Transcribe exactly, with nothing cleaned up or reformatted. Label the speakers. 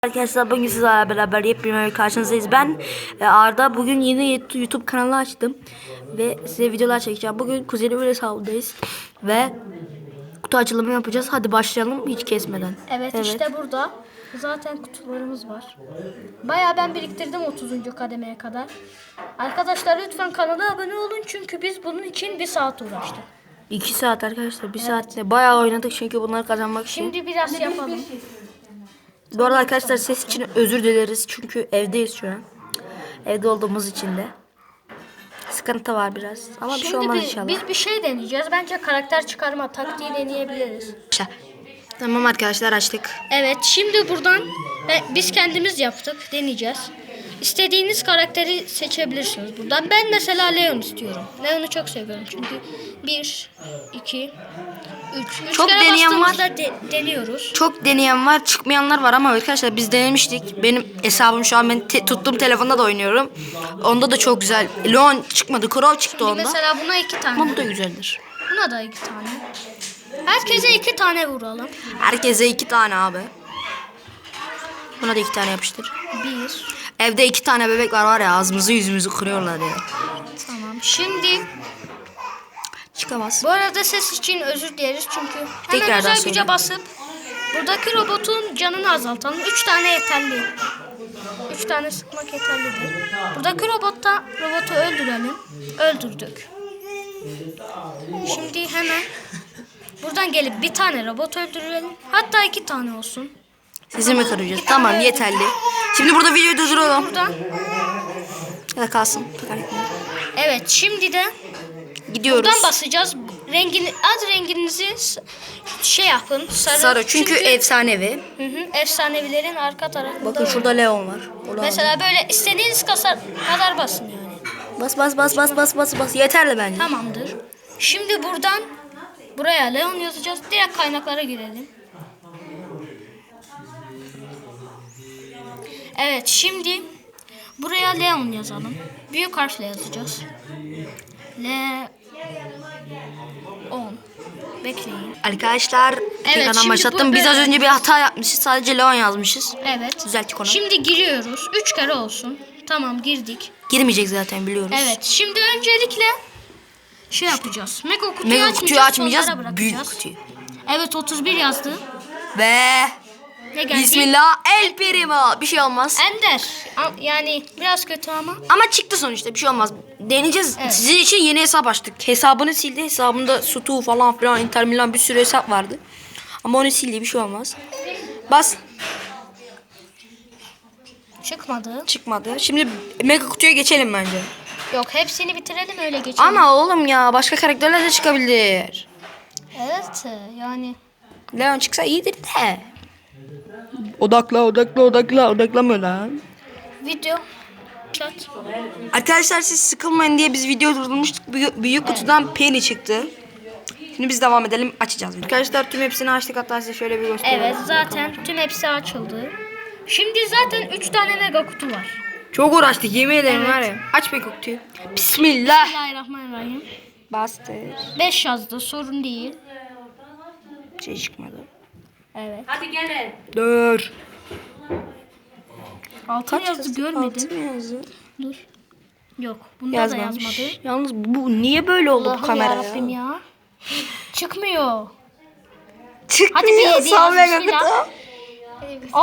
Speaker 1: Arkadaşlar bugün sizlerle beraber yepyeni bir karşınızdayız. Ben e, Arda. Bugün yeni YouTube kanalı açtım ve size videolar çekeceğim. Bugün kuzenim hesabındayız ve kutu açılımı yapacağız. Hadi başlayalım hiç kesmeden.
Speaker 2: Evet, evet. işte burada zaten kutularımız var. Bayağı ben biriktirdim otuzuncu kademeye kadar. Arkadaşlar lütfen kanala abone olun çünkü biz bunun için bir saat uğraştık.
Speaker 1: iki saat arkadaşlar, bir evet. saatte bayağı oynadık çünkü bunları kazanmak için.
Speaker 2: Şimdi biraz yapalım.
Speaker 1: Bu arada arkadaşlar ses için özür dileriz çünkü evdeyiz şu an. Evde olduğumuz için de sıkıntı var biraz ama
Speaker 2: Şimdi
Speaker 1: bir şey olmaz
Speaker 2: biz,
Speaker 1: inşallah.
Speaker 2: biz bir şey deneyeceğiz. Bence karakter çıkarma taktiği deneyebiliriz.
Speaker 1: Tamam arkadaşlar, açtık.
Speaker 2: Evet, şimdi buradan e, biz kendimiz yaptık, deneyeceğiz. İstediğiniz karakteri seçebilirsiniz buradan. Ben mesela Leon istiyorum. Leon'u çok seviyorum çünkü bir, iki, üç. Üç
Speaker 1: Çok
Speaker 2: kere
Speaker 1: deneyen var.
Speaker 2: bastığımızda de, deniyoruz.
Speaker 1: Çok deneyen var, çıkmayanlar var ama arkadaşlar biz denemiştik. Benim hesabım şu an, ben te tuttuğum telefonda da oynuyorum. Onda da çok güzel. Leon çıkmadı, Crow çıktı
Speaker 2: Şimdi
Speaker 1: onda.
Speaker 2: mesela buna iki tane.
Speaker 1: Ama bu da güzeldir.
Speaker 2: Buna da iki tane. Herkese iki tane vuralım.
Speaker 1: Herkese iki tane abi. Buna da iki tane yapıştır.
Speaker 2: Bir.
Speaker 1: Evde iki tane bebek var var ya, ağzımızı yüzümüzü kırıyorlar ya.
Speaker 2: Tamam. Şimdi
Speaker 1: çıkamaz.
Speaker 2: bu arada ses için özür dileriz çünkü hemen
Speaker 1: Tekrardan
Speaker 2: özel
Speaker 1: söyle.
Speaker 2: güce basıp buradaki robotun canını azaltalım. Üç tane yeterli. Üç tane sıkmak yeterlidir. Buradaki robotta robotu öldürelim. Öldürdük. Şimdi hemen buradan gelip bir tane robot öldürelim. Hatta iki tane olsun.
Speaker 1: Sizi mi kıracağız? Tamam, yeterli. Şimdi burada videoyu durduralım.
Speaker 2: Buradan.
Speaker 1: Ya da kalsın.
Speaker 2: Evet, şimdi de
Speaker 1: gidiyoruz.
Speaker 2: buradan basacağız. Rengini, ad renginizi şey yapın. Sarı.
Speaker 1: Sarı çünkü, çünkü efsanevi.
Speaker 2: Hı hı, efsanevilerin arka tarafında.
Speaker 1: Bakın şurada Leon var. Ulan.
Speaker 2: Mesela böyle istediğiniz kadar, kadar basın yani.
Speaker 1: Bas bas bas bas bas bas bas. Yeterli bence.
Speaker 2: Tamamdır. Şimdi buradan buraya Leon yazacağız. Direkt kaynaklara girelim. Evet, şimdi buraya Leon yazalım. Büyük harfle yazacağız. Leon. Bekleyin.
Speaker 1: Arkadaşlar
Speaker 2: Evet,
Speaker 1: tekrardan başlattım. Biz az önce bir hata yapmışız. Sadece Leon yazmışız.
Speaker 2: Evet.
Speaker 1: Düzelttik onu.
Speaker 2: Şimdi giriyoruz. Üç kere olsun. Tamam, girdik.
Speaker 1: Girmeyecek zaten, biliyoruz.
Speaker 2: Evet. Şimdi öncelikle şey yapacağız. Mega kutuyu
Speaker 1: Mega
Speaker 2: açmayacağız.
Speaker 1: kutuyu açmayacağız.
Speaker 2: Sonlara
Speaker 1: Büyük
Speaker 2: bırakacağız.
Speaker 1: kutuyu.
Speaker 2: Evet, otuz bir yazdı.
Speaker 1: Ve
Speaker 2: Ne geldi?
Speaker 1: Bismillah El Primo. Bir şey olmaz.
Speaker 2: Ender. A- Yani biraz kötü ama.
Speaker 1: Ama çıktı sonuçta, bir şey olmaz. Deneyeceğiz.
Speaker 2: Evet.
Speaker 1: Sizin için yeni hesap açtık. Hesabını sildi. Hesabında Stu falan filan, Inter Milan bir sürü hesap vardı. Ama onu sildi, bir şey olmaz. Bas.
Speaker 2: Çıkmadı.
Speaker 1: Çıkmadı. Şimdi mega kutuya geçelim bence.
Speaker 2: Yok, hepsini bitirelim öyle geçelim.
Speaker 1: Ama oğlum ya, başka karakterler de çıkabilir.
Speaker 2: Evet yani.
Speaker 1: Leon çıksa iyidir de. Odakla odakla odakla odaklamıyor lan.
Speaker 2: Video. Chat.
Speaker 1: Arkadaşlar siz sıkılmayın diye biz video durdurmuştuk. Büyük, büyük kutudan Penny çıktı. Şimdi biz devam edelim, açacağız. Arkadaşlar tüm hepsini açtık, hatta size şöyle bir göstereyim.
Speaker 2: Evet, zaten tüm hepsi açıldı. Şimdi zaten üç tane mega kutu var.
Speaker 1: Çok uğraştık, yemin ederim
Speaker 2: Evet.
Speaker 1: var ya. Aç mega kutuyu. Bismillah.
Speaker 2: Bismillahirrahmanirrahim.
Speaker 1: Bastır.
Speaker 2: beş yazdı, sorun değil.
Speaker 1: Şey çıkmadı.
Speaker 2: Evet.
Speaker 3: Hadi gelin.
Speaker 1: Dur.
Speaker 2: altı yazdı,
Speaker 1: yazdı?
Speaker 2: görmedim.
Speaker 1: Altı mı yazdı?
Speaker 2: Dur. Yok, bunda
Speaker 1: Yazmamış.
Speaker 2: da yazmadı.
Speaker 1: Yalnız bu niye böyle oldu bu
Speaker 2: Allah'ım
Speaker 1: kamera
Speaker 2: yarabbim
Speaker 1: ya?
Speaker 2: ya. Çıkmıyor.
Speaker 1: Çıkmıyor.
Speaker 2: Hadi bir yedi
Speaker 1: Sağ
Speaker 2: yaz,
Speaker 1: mega
Speaker 2: bismillah.
Speaker 1: kutu.